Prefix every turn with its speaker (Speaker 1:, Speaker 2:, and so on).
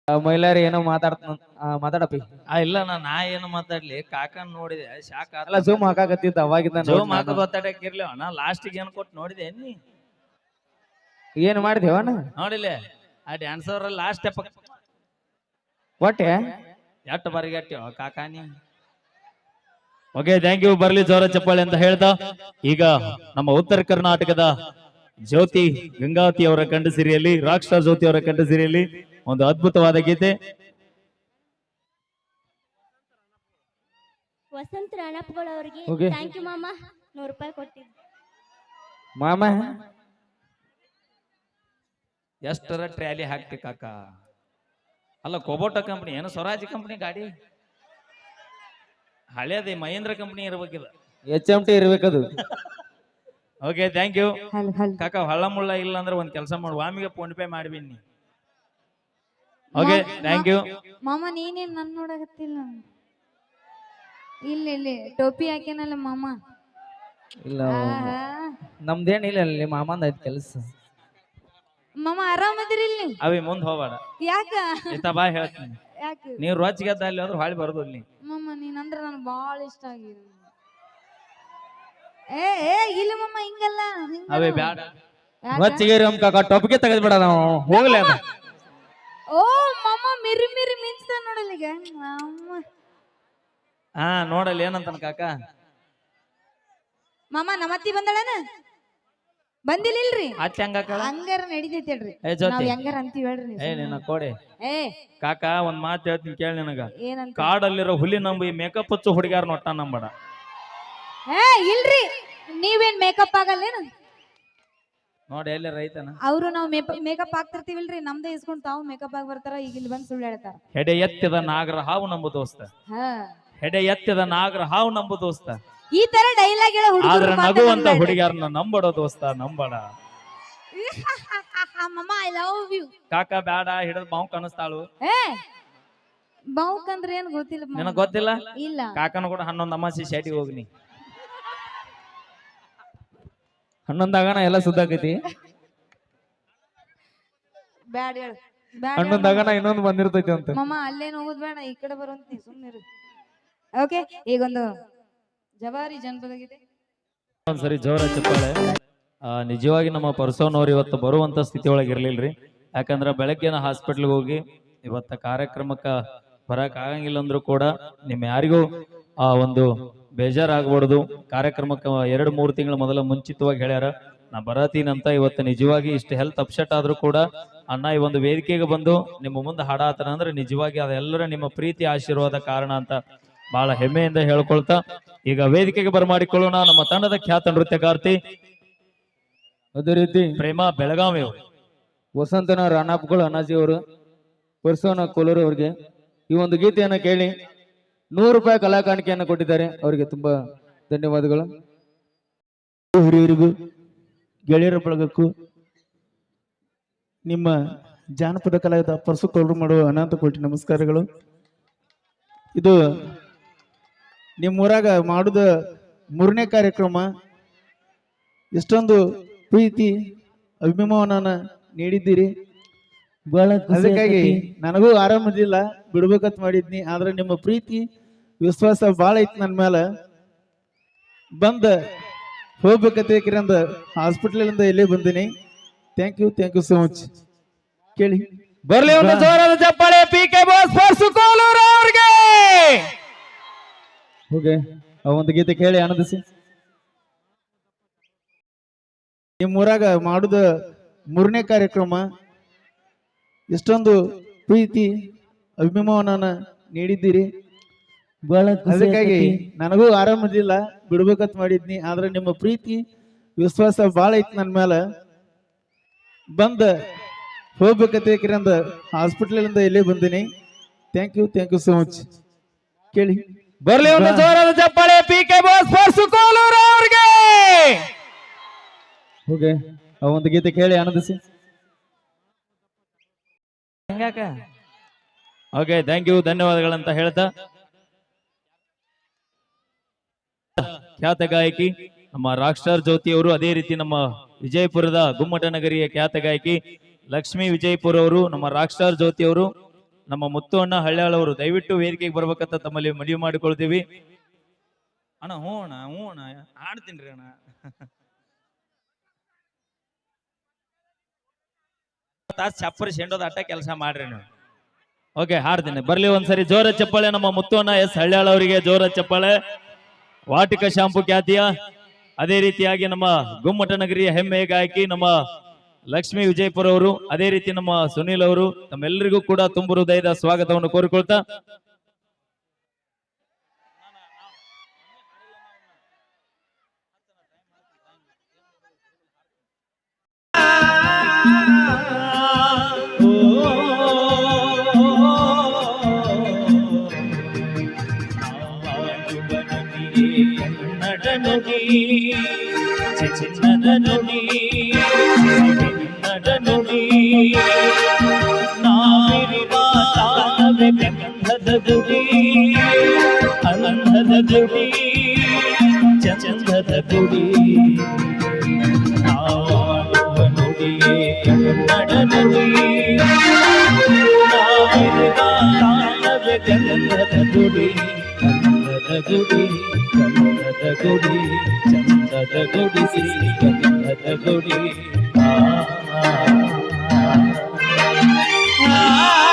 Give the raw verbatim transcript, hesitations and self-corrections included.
Speaker 1: ಮೈಲಾರಿ ಏನೋ ಮಾತಾಡ್ತ ಮಾತಾಡಪ್ಪಿ.
Speaker 2: ಆ ಇಲ್ಲ ನಾ ನಾ ಏನು ಮಾತಾಡ್ಲಿ ಕಾಕನ್ ನೋಡಿದೆ ಶಾಕ್
Speaker 1: ಅಲ್ಲ ಜೂಮ್ ಹಾಕಾಕತ್ತಿದ್ದ ಅವಾಗಿದ್ದ
Speaker 2: ಜೂಮ್ ಹಾಕ ಗೊತ್ತಾಡಕ್ಕಿರ್ಲಿ ನಾ ಲಾಸ್ಟಿಗೆ ಏನ್ ಕೊಟ್ಟು ನೋಡಿದೆ ನೀ
Speaker 1: ಏನ್ ಮಾಡಿದೇವನ
Speaker 2: ನೋಡಿಲ್ಲ ಆ ಡ್ಯಾನ್ಸರ್ ಲಾಸ್ಟ್ ಸ್ಟೆಪ್
Speaker 1: ಒಟ್ಟೆ
Speaker 2: ಎಷ್ಟು ಬರಿಗಟ್ಟಿ ಕಾಕಾನಿ. Okay thank you. ಬರ್ಲಿ ಜೋರ ಚಪ್ಪಾಳೆ ಅಂತ ಹೇಳ್ತಾ ಈಗ ನಮ್ಮ ಉತ್ತರ ಕರ್ನಾಟಕದ ಜ್ಯೋತಿ ಗಂಗಾವತಿ ಅವರ ಕಂಠ ಸಿರಿಯಲ್ಲಿ ರಾಕ್ ಸ್ಟಾರ್ ಜ್ಯೋತಿ ಅವರ ಕಂಠ ಸಿರಿಯಲ್ಲಿ ಒಂದು ಅದ್ಭುತವಾದ ಗೀತೆ
Speaker 3: ವಸಂತ ರಾಣಪ್ಪಗಳು ಅವರಿಗೆ
Speaker 1: Okay.
Speaker 3: ಥ್ಯಾಂಕ್ ಯು ಮಾಮ. ನೂರು ರೂಪಾಯಿ ಕೊಟ್ಟಿದ್ದು
Speaker 1: ಮಾಮ.
Speaker 2: ಎಷ್ಟರ ಟ್ರ್ಯಾಲಿ ಹಾಕ್ತಿ ಕಾಕ. ಅಲ್ಲ ಕೊಬೋಟ ಕಂಪನಿ ಏನು ಸ್ವರಾಜ್ ಕಂಪನಿ ಗಾಡಿ ಹಳೇದಿ ಮಹೇಂದ್ರ ಕಂಪನಿ ಇರ್ಬೇಕಿದ
Speaker 1: ಎಚ್ ಎಂ ಟಿ ಇರ್ಬೇಕದು.
Speaker 2: ಓಕೆ ಥ್ಯಾಂಕ್ ಯು ಕಾಕ. ಹಳ್ಳ ಮುಳ್ಳ ಇಲ್ಲ ಅಂದ್ರೆ ಒಂದ್ ಕೆಲಸ ಮಾಡು ವಾಮಿಗೆ ಫೋನ್ ಪೇ ಮಾಡ್ಬಿನಿ. ಓಕೆ ಥ್ಯಾಂಕ್ ಯು
Speaker 4: ಮಾಮ. ನೀನೇನ್ ನನ್ ನೋಡಕತ್ತಿಲ್ಲ. ಇಲ್ಲ ಇಲ್ಲಿ ಟೋಪಿ ಹಾಕ್ಯಾನಲ್ಲ ಮಾಮ.
Speaker 1: ಇಲ್ಲ ನಮ್ದೇನ್ ಇಲ್ಲ ಅಲ್ಲಿ ಮಾಮಂದ ಐತ್ ಕೆಲ್ಸ.
Speaker 4: ಮಾಮ ಆರಾಮದಿರಿ ಇಲ್ಲಿ?
Speaker 2: ಅವಿ ಮುಂದ್ ಹೋಗ್ಬೇಡ
Speaker 4: ಯಾಕ
Speaker 2: ಇತ್ತ ಬಾ ಹೇಳ್ತೀನಿ.
Speaker 4: ಯಾಕ
Speaker 2: ನೀವ್ ರೋಜ್ಗೆದ್ದ ಅಲ್ಲಿ ಹೋದ್ರೆ ಹೊಳಿ ಬರೋದು ಅಲ್ಲಿ.
Speaker 4: ಮಾಮ ನೀನ್ ಅಂದ್ರೆ ನನ್ ಬಾಳ ಇಷ್ಟ ಆಗಿದೆ. ಏ ಏ ಇಲ್ಲ ಮಾಮ ಹಿಂಗಲ್ಲ ಹಿಂಗಲ್ಲ.
Speaker 2: ಅವೇ ಬ್ಯಾಡ
Speaker 1: ಹೊಚ್ಚಿಗೇರಿ ಅಮ್ ಕಾಕ ಟೊಪ್ಗೆ ತೆಗೆದ್ಬಿಡ ನಾವು ಹೋಗ್ಲಿ ಅದ.
Speaker 4: ಓ ಮಾಮ ಮಿರಿ ಮಿರಿ ಮಿಂಚ್ತ ನೋಡಲ್ಲ ಈಗ. ಮಾಮ
Speaker 2: ಹಾ ನೋಡಲ್ಲಿ ಏನಂತಾನ ಕಾಕ.
Speaker 4: ಮಾಮ ನಮ್ಮತ್ತಿ ಬಂದಳನ? ಬಂದಿಲ್ಲ ಇಲ್ರಿ?
Speaker 2: ಅತ್ತೆ ಹಂಗ
Speaker 4: ಹಂಗಾರ ನಡಿತೈತಿ ಹೇಳ್ರಿ.
Speaker 2: ಏ ಜೊತೆ
Speaker 4: ನಾವ್ ಹೆಂಗಾರ ಅಂತೀವಿ ಹೇಳ್ರಿ.
Speaker 2: ಏ ನಿನ್ನ ಕೋಡೆ
Speaker 4: ಏ
Speaker 2: ಕಾಕ ಒಂದ್ ಮಾತು ಹೇಳ್ತೀನಿ ಕೇಳಿ ನಿನಗ.
Speaker 4: ಏನಂತ?
Speaker 2: ಕಾಡಲ್ಲಿರೋ ಹುಲಿ ನಂಬಿ ಮೇಕಪ್ ಹಚ್ಚು ಹುಡುಗ್ಯಾರ ನೋಟ ನಂಬಡ.
Speaker 4: ಏ ಇಲ್ರಿ ನೀವೇನ್ ಮೇಕಪ್ ಆಗಲ್ಲೇನು?
Speaker 2: ನೋಡಿ ಎಲ್ಲಿ ರೈತನ
Speaker 4: ಅವ್ರು ನಾವು ಮೇಕಪ್ ಆಗ್ತಿರ್ತೀವಿಲ್ರಿ ನಮ್ದೇ ಇಸ್ಕೊಂಡ್ ತಾವು ಮೇಕಪ್ ಆಗಿ ಬರ್ತಾರ. ಈಗ ಇಲ್ಲಿ ಬಂದ್ ಸುಳ್ಳು ಹೇಳ್ತಾರ.
Speaker 2: ಹೆಡೆ ಎತ್ತಿದ ನಾಗರ ಹಾವು ನಂಬು ದೋಸ್ತ.
Speaker 4: ಹಾ
Speaker 2: ಹೆಡೆ ಎತ್ತಿದ ನಾಗರ ಹಾವು ನಂಬು ದೋಸ್ತ.
Speaker 4: ಈ ತರ ಡೈಲಾಗ್ ಹೇಳ
Speaker 2: ಆದ್ರೆ ನಗುವಂತ ಹುಡುಗ್ಯಾರನ್ನ ನಂಬಡ ದೋಸ್ತ ನಂಬಡ.
Speaker 4: ಮಮ್ಮ ಐ ಲವ್ ಯು.
Speaker 2: ಕಾಕ ಬ್ಯಾಡ ಹಿಡಿದ್ ಬಾವು ಕಾಣಿಸ್ತಾಳು.
Speaker 4: ಏ ಬಾವುಕ್ ಅಂದ್ರೆ ಏನ್ ಗೊತ್ತಿಲ್ಲ ಮಾಮ.
Speaker 2: ನಿನಗ್ ಗೊತ್ತಿಲ್ಲ?
Speaker 4: ಇಲ್ಲ.
Speaker 2: ಕಾಕನ ಕೂಡ ಹನ್ನೊಂದು ಅಮಾಸಿ ಶೆಟಿಗೆ ಹೋಗ್ನಿ.
Speaker 1: ಹನ್ನೊಂದಾಗಣ ಎಲ್ಲ ಸುದ್ದಾಕೈತಿ.
Speaker 4: ಬ್ಯಾಡ ಹೇಳು. ಬ್ಯಾಡ
Speaker 1: ಹನ್ನೊಂದಾಗಣ ಇನ್ನೊಂದು ಬಂದಿರ್ತೈತಿ ಅಂತ.
Speaker 4: ಮಮ್ಮ ಅಲ್ಲೇನ್ ಹೋಗುದ್ ಬೇಡ ಈ ಕಡೆ ಬರುವಂತಿ ಸುಮ್ಮನಿರು. ಓಕೆ ಈಗೊಂದು ಜವಾರಿ ಜನಪದ ಗೀತೆ.
Speaker 2: ಒಂದ್ಸರಿ ಜೋರ ಚಪ್ಪಾಳೆ. ಆ ನಿಜವಾಗಿ ನಮ್ಮ ಪರ್ಸೋನವ್ರು ಇವತ್ತು ಬರುವಂತ ಸ್ಥಿತಿ ಒಳಗೆ ಇರ್ಲಿಲ್ರಿ. ಯಾಕಂದ್ರ ಬೆಳಗ್ಗೆನ ಹಾಸ್ಪಿಟ್ಲ್ಗೆ ಹೋಗಿ ಇವತ್ತ ಕಾರ್ಯಕ್ರಮಕ್ಕ ಬರಕ್ ಆಗಂಗಿಲ್ಲ ಅಂದ್ರು ಕೂಡ ನಿಮ್ ಯಾರಿಗೂ ಆ ಒಂದು ಬೇಜಾರಾಗ್ಬಾರ್ದು. ಕಾರ್ಯಕ್ರಮಕ್ಕೆ ಎರಡು ಮೂರು ತಿಂಗಳ ಮೊದಲ ಮುಂಚಿತವಾಗಿ ಹೇಳ್ಯಾರ ನಾ ಬರತೀನಂತ. ಇವತ್ತು ನಿಜವಾಗಿ ಇಷ್ಟು ಹೆಲ್ತ್ ಅಪ್ಸೆಟ್ ಆದ್ರೂ ಕೂಡ ಅಣ್ಣ ಈ ಒಂದು ವೇದಿಕೆಗೆ ಬಂದು ನಿಮ್ಮ ಮುಂದೆ ಹಾಡಾತನ ಅಂದ್ರೆ ನಿಜವಾಗಿ ಅದೆಲ್ಲರ ನಿಮ್ಮ ಪ್ರೀತಿ ಆಶೀರ್ವಾದ ಕಾರಣ ಅಂತ ಬಹಳ ಹೆಮ್ಮೆಯಿಂದ ಹೇಳ್ಕೊಳ್ತಾ ಈಗ ವೇದಿಕೆಗೆ ಬರಮಾಡಿಕೊಳ್ಳೋಣ ನಮ್ಮ ತಂಡದ ಖ್ಯಾತ ನೃತ್ಯಗಾರ್ತಿ
Speaker 1: ಅದೇ ರೀತಿ
Speaker 2: ಪ್ರೇಮ ಬೆಳಗಾವಿ ಅವರು,
Speaker 1: ವಸಂತನ ರಾಣಪ್ಪಗಳು ಅನಾಜಿ ಅವರು, ಪರ್ಸೋನ ಕೋಲೂರು ಅವ್ರಿಗೆ ಈ ಒಂದು ಗೀತೆಯನ್ನ ಕೇಳಿ ನೂರು ರೂಪಾಯಿ ಕಲಾ ಕಾಣಿಕೆಯನ್ನು ಕೊಟ್ಟಿದ್ದಾರೆ. ಅವರಿಗೆ ತುಂಬಾ ಧನ್ಯವಾದಗಳು.
Speaker 5: ಹಿರಿಯರಿಗೂ ಗೆಳೆಯರ ಬಳಗಕ್ಕೂ ನಿಮ್ಮ ಜಾನಪದ ಕಲಾವಿದ ಪರ್ಸು ಕೋಲೂರು ಮಾಡುವ ಅನಂತ ಕೋಟಿ ನಮಸ್ಕಾರಗಳು. ಇದು ನಿಮ್ಮೂರಾಗ ಮಾಡುದ ಮೂರನೇ ಕಾರ್ಯಕ್ರಮ. ಎಷ್ಟೊಂದು ಪ್ರೀತಿ ಅಭಿಮಾನನ ನೀಡಿದ್ದೀರಿ. ಅದಕ್ಕಾಗಿ ನನಗೂ ಆರಾಮದಿಲ್ಲ ಬಿಡ್ಬೇಕಂತ ಮಾಡಿದ್ನಿ. ಆದ್ರೆ ನಿಮ್ಮ ಪ್ರೀತಿ ವಿಶ್ವಾಸ ಬಾಳ ಐತಿ ನನ್ನ ಮೇಲೆ. ಬಂದ ಹೋಗ್ಬೇಕಂತ ಹಾಸ್ಪಿಟಲ್ ಇಲ್ಲೇ ಬಂದಿನಿ. Thank you thank you so much. ಕೇಳಿ
Speaker 1: ಬರ್ಲಿ ಒಂದು ಜೋರಾದ ಚಪ್ಪಾಳೆ P K boss purse Kolur ಅವ್ರಿಗೆ. ಹೋಗೆ ಆ ಒಂದು ಗೀತೆ ಕೇಳಿ ಆನಂದಿಸಿ.
Speaker 5: ನಿಮ್ಮೂರಾಗ ಮಾಡುದ ಮೂರನೇ ಕಾರ್ಯಕ್ರಮ. ಎಷ್ಟೊಂದು ಪ್ರೀತಿ ಅಭಿಮಾನನ ನೀಡಿದ್ದೀರಿ. ಅದಕ್ಕಾಗಿ ನನಗೂ ಆರಾಮದಿಲ್ಲ ಬಿಡ್ಬೇಕಂತ ಮಾಡಿದ್ನಿ. ಆದ್ರೆ ನಿಮ್ಮ ಪ್ರೀತಿ ವಿಶ್ವಾಸ ಬಾಳ ಐತಿ ನನ್ನ ಮೇಲೆ. ಬಂದ ಹೋಗ್ಬೇಕಂತ ಹಾಸ್ಪಿಟಲ್ ಇಲ್ಲೇ ಬಂದಿನಿ. Thank you thank you so much. ಕೇಳಿ
Speaker 1: ಬರ್ಲಿ ಒಂದು ಜೋರಾದ ಚಪ್ಪಾಳೆ P K boss purse Kolur ಅವ್ರಿಗೆ. ಹೋಗೆ ಆ ಒಂದು ಗೀತೆ ಕೇಳಿ ಆನಂದಿಸಿ.
Speaker 2: ಹೆಂಗಾಕ ಓಕೆ ಥ್ಯಾಂಕ್ ಯು ಧನ್ಯವಾದಗಳಂತ ಹೇಳ್ತಾ ಖ್ಯಾತ ಗಾಯಕಿ ನಮ್ಮ ರಾಕ್ ಸ್ಟಾರ್ ಜ್ಯೋತಿ ಅವರು, ಅದೇ ರೀತಿ ನಮ್ಮ ವಿಜಯಪುರದ ಗುಮ್ಮಟ ನಗರಿಯ ಖ್ಯಾತ ಗಾಯಕಿ ಲಕ್ಷ್ಮೀ ವಿಜಯಪುರ ಅವರು, ನಮ್ಮ ರಾಕ್ ಸ್ಟಾರ್ ಜ್ಯೋತಿ ಅವರು, ನಮ್ಮ ಮುತ್ತು ಅಣ್ಣ ಹಳ್ಯಾಳ್ ಅವರು ದಯವಿಟ್ಟು ವೇದಿಕೆಗೆ ಬರ್ಬೇಕಂತ ತಮ್ಮಲ್ಲಿ ಮನವಿ ಮಾಡಿಕೊಳ್ತೀವಿ. ಅಣ್ಣ ಹ್ಞೂ ಅಣ್ಣ ಹ್ಞೂ ಅಣ್ಣ ಆಡ್ತೀನಿ ರೀ ಅಣ್ಣ. ತಾಸ್ ಚಪ್ಪರಿ ಶೆಂಡೋದ ಅಟ್ಟ ಕೆಲಸ ಮಾಡ್ರಿ ನೀವು. ಓಕೆ ಹಾಡ್ತೀನಿ ಬರ್ಲಿ ಒಂದ್ಸರಿ ಜೋರ ಚಪ್ಪಾಳೆ ನಮ್ಮ ಮುತ್ತು ಅಣ್ಣ ಎಸ್ ಹಳ್ಯಾಳ್ ಅವರಿಗೆ ಜೋರ ಚಪ್ಪಾಳೆ. ವಾಟಿಕ ಶಾಂಪು ಖ್ಯಾತಿಯ ಅದೇ ರೀತಿಯಾಗಿ ನಮ್ಮ ಗುಮ್ಮಟನಗರಿಯ ಹೆಮ್ಮೆಯ ಗಾಯಕಿ ನಮ್ಮ ಲಕ್ಷ್ಮೀ ವಿಜಯಪುರ ಅವರು, ಅದೇ ರೀತಿ ನಮ್ಮ ಸುನೀಲ್ ಅವರು, ತಮ್ಮೆಲ್ಲರಿಗೂ ಕೂಡ ತುಂಬು ಹೃದಯದ ಸ್ವಾಗತವನ್ನು ಕೋರಿಕೊಳ್ತಾ ಚಿನ್ನದ ನುಡಿ ನುಡಿ ನಾವಿರುವ ತಾಳವೇ ಗಂಧದ ಗುಡಿ, ಅಂಧದ ಗುಡಿ ಚಂದದ ಗುಡಿ. ನಾವಾಡುವ ನುಡಿಯೇ ಕನ್ನಡ ನುಡಿ, ನಾವಿರುವ ತಾಳವೇ ಗಂಧದ ಗುಡಿ, ಅಂಧದ ಗುಡಿ ಕನ್ನಡದ ಗುಡಿ ಚಂದದ ಗುಡಿ ಗಂಧದ ಗುಡಿ. ಆ